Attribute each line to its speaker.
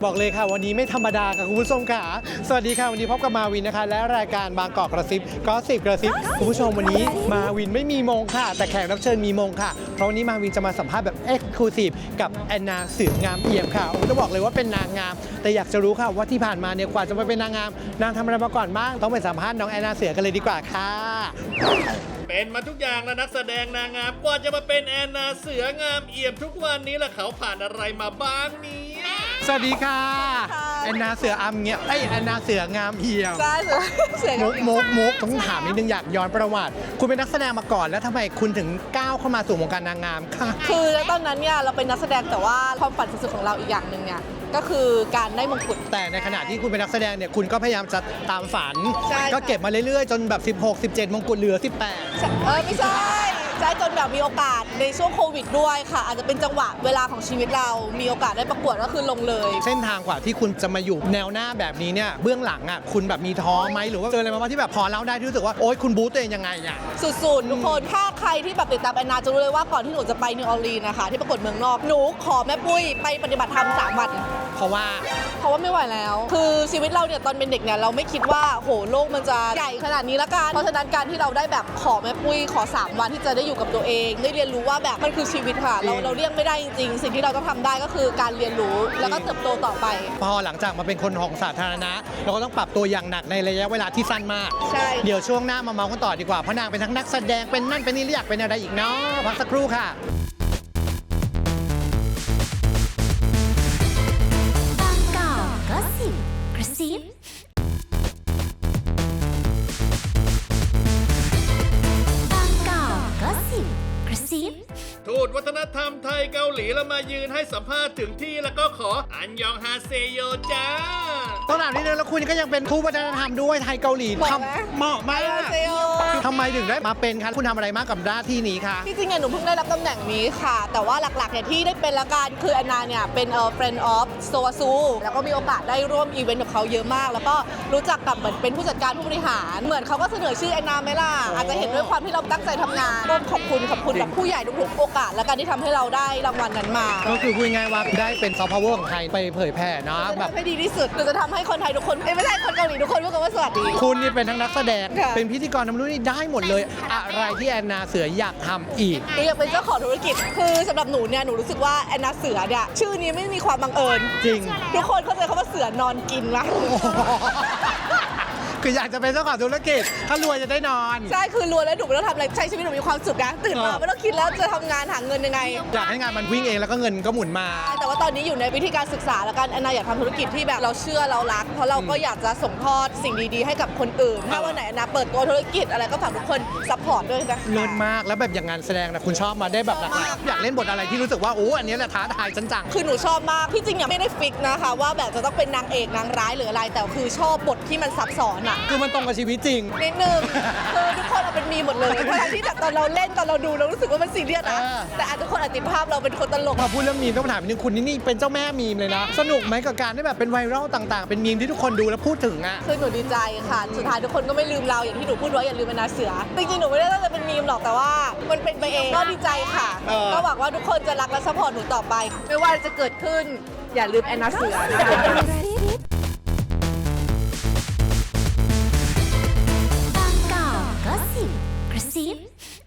Speaker 1: บอกเลยค่ะวันนี้ไม่ธรรมดาค่ะคุณผู้ชมค่ะสวัสดีค่ะวันนี้พบกับมาวินนะคะและรายการบางกอกกระซิบก็10กระซิบคุณผู้ชมวันนี้มาวินไม่มีมงค่ะแต่แขกรับเชิญมีมงค่ะเพราะวันนี้มาวินจะมาสัมภาษณ์แบบเอ็กซ์คลูซีฟกับแอนนาเสืองามเอี่ยมค่ะต้องบอกเลยว่าเป็นนางงามแต่อยากจะรู้ค่ะว่าที่ผ่านมาเนี่ยกว่าจะมาเป็นนางงามนางทำอะไรมาก่อนบ้างต้องไปสัมภาษณ์น้องแอนนาเสือกันเลยดีกว่าค่ะ
Speaker 2: เป็นมาทุกอย่างแล้วนักแสดงนางงามกว่าจะมาเป็นแอนนาเสืองามเอี่ยมทุกวันนี้ล่ะเขาผ่านอะไรมาบ้างเนี่ย
Speaker 1: สวัสดีค่ะแอนนาเสืออำเงี้ยแอนนาเสืองามเอี่ยม
Speaker 3: ใช่เสือ
Speaker 1: มุกต้องถามนิดนึงอยากย้อนประวัติคุณเป็นนักแสดงมาก่อนแล้วทำไมคุณถึงก้าวเข้ามาสู่วงการนางงามค่ะ
Speaker 3: คือตอนนั้นเนี่ยเราเป็นนักแสดงแต่ว่าความฝันสุดๆของเราอีกอย่างหนึ่งเนี่ยก็คือการได้มงกุฎ
Speaker 1: แต่ในขณะที่คุณเป็นนักแสดงเนี่ยคุณก็พยายามจะตามฝัน
Speaker 3: ใช่
Speaker 1: ก็เก็บมาเรื่อยๆ จนแบบ16 17มงกุฎเหลือ
Speaker 3: ไม่ใช่จนแบบมีโอกาสในช่วงโควิดด้วยค่ะอาจจะเป็นจังหวะเวลาของชีวิตเรามีโอกาสได้ประกวดก็คือลงเลย
Speaker 1: 18 เส้นทางกว่าที่คุณจะมาอยู่แนวหน้าแบบนี้เนี่ยเบื้องหลังอ่ะคุณแบบมีท้อไหมหรือว่าเจออะไรมาบ้างที่แบบพอเล่าได้ที่รู้สึกว่าโอ๊ยคุณบู๊ตัวเองยังไงอ่ะ
Speaker 3: สุดๆทุกคนถ้าใครที่แบบติดตามแอนนาจะรู้เลยว่าก่อนที่หนูจะไปนิวออร์ลีนส์นะคะที่ประกวดเมืองนอกหนูขอแม่ปุ้ยไปปฏิบัติธรรม3 วัน
Speaker 1: เพราะว่า
Speaker 3: ไม่ไหวแล้ว คือชีวิตเราเนี่ยตอนเป็นเด็กเนี่ยเราไม่คิดว่าโหโลกมันจะใหญ่ขนาดนี้ละกันเพราะฉะนั้นการที่เราได้แบบขอแม่ปุ้ยขอ3 วันที่จะได้อยู่กับตัวเองได้เรียนรู้ว่าแบบมันคือชีวิตค่ะเราเลี่ยงไม่ได้จริงๆสิ่งที่เราต้องทำได้ก็คือการเรียนรู้แล้วก็เติบโตต่อไป
Speaker 1: พอหลังจากมาเป็นคนของสาธารณะเราก็ต้องปรับตัวอย่างหนักในระยะเวลาที่สั้นมาก
Speaker 3: ใช่
Speaker 1: เดี๋ยวช่วงหน้ามาเมาส์กันต่อดีกว่าเพราะนางเป็นทั้งนักแสดงเป็นนั่นเป็นนี่และอยากเป็นอะไรอีกเนาะพักสักครู่ค่ะ
Speaker 4: บางกอกก็สิบกระซิบางกอกก็สิบกระซิบ
Speaker 2: ทูตวัฒนธรรมไทยเกาหลีแล้วมายืนให้สัมภาษณ์ถึงที่แล้วก็ขออันยองฮาเซโยจ้า
Speaker 1: ต้องถามนิดนึงแล้วคุณก็ยังเป็นทูตวัฒนธรรมด้วยไทยเกาหลี
Speaker 3: เหมาะไหม
Speaker 1: เหมาะมาก
Speaker 3: เซโย
Speaker 1: ทำไมถึงได้มาเป็นคะคุณทำอะไรมากกับหน้าที่นี้คะ
Speaker 3: ที่จริงเนี่ยหนูเพิ่งได้รับตำแหน่งนี้ค่ะ แต่ว่าหลักๆเนี่ยที่ได้เป็นละกันคือแอนนาเนี่ยเป็นfriend of Soasu แล้วก็มีโอกาสได้ร่วมอีเวนต์กับเขาเยอะมาก แล้วก็รู้จักกับเหมือนเป็นผู้จัดการผู้บริหารเหมือนเขาก็เสนอชื่อแอนนาไหมล่ะอาจจะเห็นด้วยความที่เราตั้งใจทำงานร่วมขอบคุณแบบผู้ใหญ่ทุกๆโอกาสและการที่ทำให้เราได้รางวัลนั้นมา
Speaker 1: ก็คือพูดง่ายๆว่าได้เป็นซอฟต์พาวเวอร์ของไทยไปเผยแผ่เนาะ
Speaker 3: จะ
Speaker 1: แบบ
Speaker 3: ทำให้ดีที่สุดหรือจะทำให้คนไทยทุกคนไม่ใช่คนเกาหลีทุกคนพูดกันว่าสวัสดี
Speaker 1: คุณนี่เป็นทั้งนักแสดง
Speaker 3: ค่ะ
Speaker 1: เป็นพิธีกรทำรู้นี่ได้หมดเลย อะไรที่แอนนาเสืออยากทำอีก
Speaker 3: หนูอยากเป็นเจ้าของธุรกิจคือสำหรับหนูเนี่ยหนูรู้สึกว่าแอนนาเสือเนี่ยชื่อนี้ไม่มีความบังเอิญ
Speaker 1: จริง
Speaker 3: ทุกคนเข้าใจคำว่าเสือนอนกินไหม
Speaker 1: คืออยากจะเป็นเจ้าของธุรกิจถ้ารวยจะได้นอน
Speaker 3: ใช่คือรวยแล้วหนูไม่ต้องทำอะไรใช้ชีวิตหนูมีความสุขนะตื่นมาไม่ต้องคิดแล้วจะทำงานหาเงินยังไง
Speaker 1: อยากให้งานมันวิ่งเองแล้วก็เงินก็หมุนมา
Speaker 3: แต่ว่าตอนนี้อยู่ในวิธีการศึกษาแล้วกันแอนนาอยากทำธุรกิจที่แบบเราเชื่อเรารัก เพราะเราก็อยากจะส่งทอดสิ่งดีๆให้กับคนอื่น ถ้าวันไหนแอนนาเปิดตัวธุรกิจอะไรก็ฝากทุกคนซัพพอร์ตด้วยนะ
Speaker 1: เลิศมากแล้วแบบอย่างงานแสดงนะคุณชอบมาได้แบบหลากหลายอยากเล่นบทอะไรที่รู้สึกว่าโอ้อันนี้แหละท้าทายจัง
Speaker 3: คือหนูชอบมากที่จริงยังไม่ได้ฟิกนะคะว่าแบบจะต้องเป็นนางเอกนางร้ายหรืออะไร แต่คือชอบบทที่มันซับซ้อนอะ
Speaker 1: คือมันตรงกับชีวิตจริง
Speaker 3: นิดนึงคือทุกคนเอาเป็นมีมหมดเลยทั้งที่แบบตอนเราเล่นตอนเราดูเรารู้สึกว่ามันซีเรียสนะ แต่อาจจะทุกคนอาจติดภาพเราเป็นคนตลก
Speaker 1: พอพูดเรื่องมีมต้องถามนิดนึงคุณนี่เป็นเจ้าแม่มีมเลยนะ สนุกไหมกับการได้แบบเป็นไวรัลต่างๆ เป็นมีมที่ทุกคนดูแล้วพูดถึงอ่ะ
Speaker 3: คือหนูดีใจค่ะ สุดท้ายทุกคนก็ไม่ลืมเราอย่างที่หนูพูดไว้อย่าลืมแอนนาเสือ จริงๆ หนูไม่ได้ตั้งใจเป็นมีมหรอกแต่ว่ามันเป็นไปเองก็ดีใจค่ะ ก็หวังว่าทุกคนจะรักและซัพพอร์ตหนูต่อไป ไม่ว่าจะเกิดขึ้นอย่าลืมแอนนาเสือนะคะ